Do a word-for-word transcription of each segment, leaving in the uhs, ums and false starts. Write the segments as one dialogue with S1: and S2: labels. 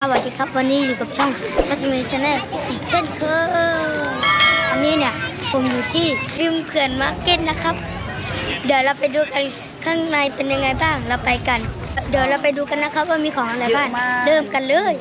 S1: สวัสดีครับวันนี้อยู่กับช่องทัศมีชาแนลอีกเช่นเคยอันนี้เนี่ยผมอยู่ที่ริมเขื่อนมาร์เก็ตนะครับเดี๋ยวเราไปดูกันข้างในเป็นยังไงบ้างเราไปกันเดี๋ยวเราไปดูกันนะครับว่ามีของอะไรบ้างเริ่มกันเลย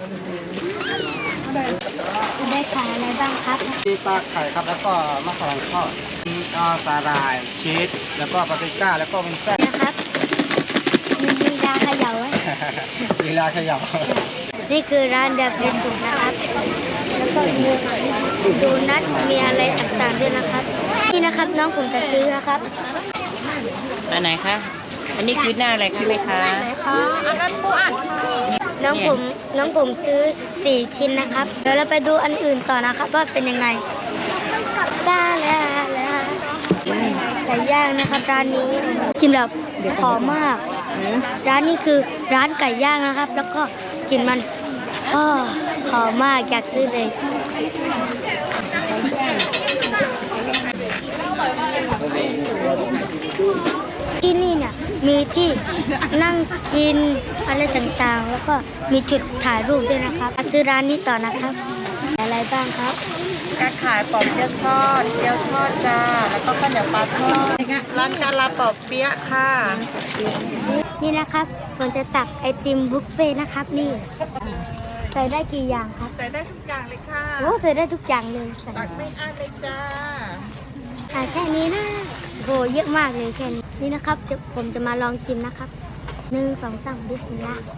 S1: ได้ขายอะไรบ้างครับ
S2: มีปลาไข่ครับแล้วก็มะขามทอดมีสาหร่ายชีสแล้วก็ปาปริก้าแล้วก็เป็นแป้ง
S1: นะครับมีลีลาเขย่าไว้
S2: ลีลาเขย่า
S1: นี่คือร้านเดบเบิลดูนะครับแล้วก็มีดูนัทมีอะไรต่างๆด้วยนะครับนี่นะครับน้องผมจะซื้อนะครับ
S3: อันไหนคะอันนี้คือหน้าอะไรคะแม่ค้า
S1: อันนั้นปูอัดน้องผมน้องผมซื้อสี่ชิ้นนะครับเดี๋ยวเราไปดูอันอื่นต่อนะครับว่าเป็นยังไงได้แล้วแล้วไก่ย่างนะครับร้านนี้กินแบบหอมมากร้านนี้คือร้านไก่ย่างนะครับแล้วก็กินมันอ๋อหอมมากอยากซื้อเลยที่นี่เนี่ยมีที่นั่งกินอะไรต่างๆแล้วก็มีจุดถ่ายรูปด้วยนะครับซื้อร้านนี้ต่อนะครับอะไรบ้างครับ
S3: การขายปอบเปี๊ยะทอดเกี๊ยวทอดจ้าแล้วก็ข้าวเหนียวปลาทอดร้านการลาปอบเปี๊ยะค่ะ
S1: นี่นะครับผมจะตักไอติมบุฟเฟ่นะครับนี่ใส่ได้กี่อย่างครับ
S3: ใส่ได้ทุกอย่างเลยค่ะ
S1: โอ้ใส่ได้ทุกอย่างเลย
S3: ตักไม่อั้นเลยจ้า
S1: อ่าแค่นี้นะโหเยอะมากเลยแค่นี้นี่นะครับผมจะมาลองชิมนะครับหนึ่งสองสามบิสมิลลาห์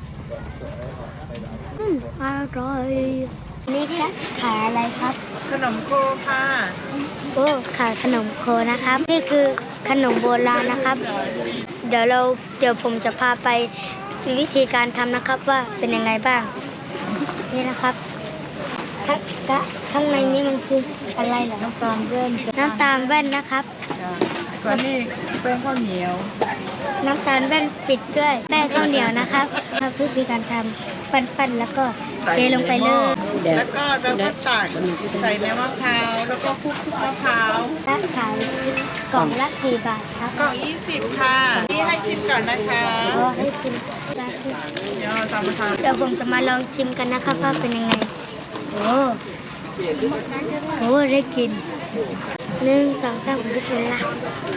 S1: อืมอร่อยนี่ครับขายอะไรครับ
S3: ขนมโคค่ะ
S1: โอ้ขายขนมโคนะครับนี่คือขนมโบราณนะครับเดี๋ยวเราเดี๋ยวผมจะพาไปวิธีการทำนะครับว่าเป็นยังไงบ้างนี่นะครับข้างในนี้มันคืออะไรเหรอน้ำตาลแว่นน้ำตาลแว่นนะครับ
S3: ส่วนนี้แป้งข้าวเหนียว
S1: น้ำตาลแว่นปิดด้วยแป้งข้าวเหนียวนะครับมาวิธีการทำปั้นๆแล้วก็เทลงไปเลย
S3: แล้วก็เราก็ตักใส่เนื้อมะพร้าวแล้วก็คลุกมะพร้าว
S1: ถ้าขายกล่องละสี่บาทครับ
S3: กล่องยี่สิบค่ะที่ให้ชิมก่อนนะคะ
S1: อ๋อให้ชิมได้
S3: เดี๋ยวตามมาทาน
S1: เดี๋ยวผมจะมาลองชิมกันนะครับว่าเป็นยังไงโอ้โหได้กินหนึ่งสองสามบิสมิลลาห์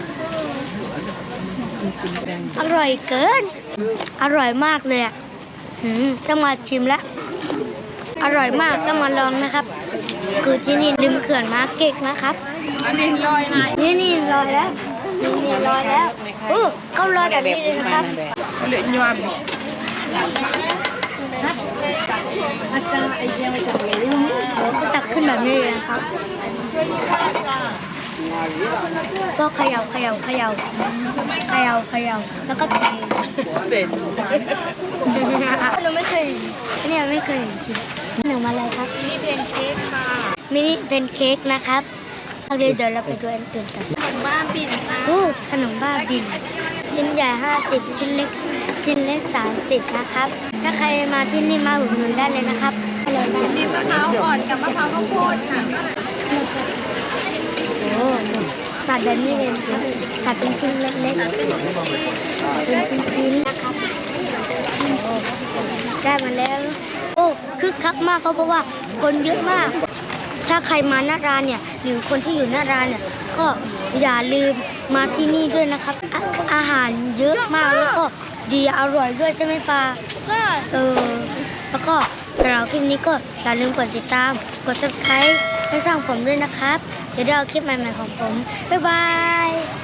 S1: อร่อยเกินอร่อยมากเลยอ่ะหืมต้องมาชิมละอร่อยมากต้องมาลองนะครับคือที่นี่ริมเขื่อนมาร์เก็ตนะครับ
S3: อันนี้ลอยนะ
S1: นี่นี่ลอยแล้วนี่นี่ลอยแล้วโอ้เขาลอยแบบนี้เลยนะครับ
S3: เหลือยวม
S1: อาจารย์ไอเดียมาจากไหนก็ตักขึ้นแบบนี้เลยนะครับก็เขย่าเขย่าเขย่าเขย่าเขย่าแล้วก็เท
S3: เจ็ด
S1: เราไม่เคยเนี่ยไม่เคยจริงหนึ่งมาอะไรครับ
S3: มินิเพนเค้กค่ะ
S1: มินิเพนเค้กนะครับเอาเลยเดี๋ยวเราไปดูอันอื่นกัน
S3: ขนมบ้าบินค่ะ
S1: โอ้ขนมบ้าบินชิ้นใหญ่ห้าสิบชิ้นเล็กชิ้นเล็กสามสิบนะครับถ้าใครมาที่นี่มาอุดหนุนได้เลยนะครับ
S3: มีมะพร้าวอ่อนกับมะพร้าวข้าวโพดค่ะ
S1: โอ้ตัดแบบนี้เลยครับตัดเป็นชิ้นเล็กๆเป็นชิ้นๆนะครับได้มาแล้วโอ้คึกคักมากเพราะว่าคนเยอะมากถ้าใครมาหน้าร้านเนี่ยหรือคนที่อยู่หน้าร้านเนี่ยก็อย่าลืมมาที่นี่ด้วยนะครับอาอาหารเยอะมากแล้วก็ดีอร่อยด้วยใช่ไหมปาเออแล้วก็สำหรับคลิปนี้ก็อย่าลืมกดติดตามกด ซับสไครบ์ ให้ช่องผมด้วยนะครับเดี๋ยวได้เอาคลิปใหม่ๆของผมบ๊ายบาย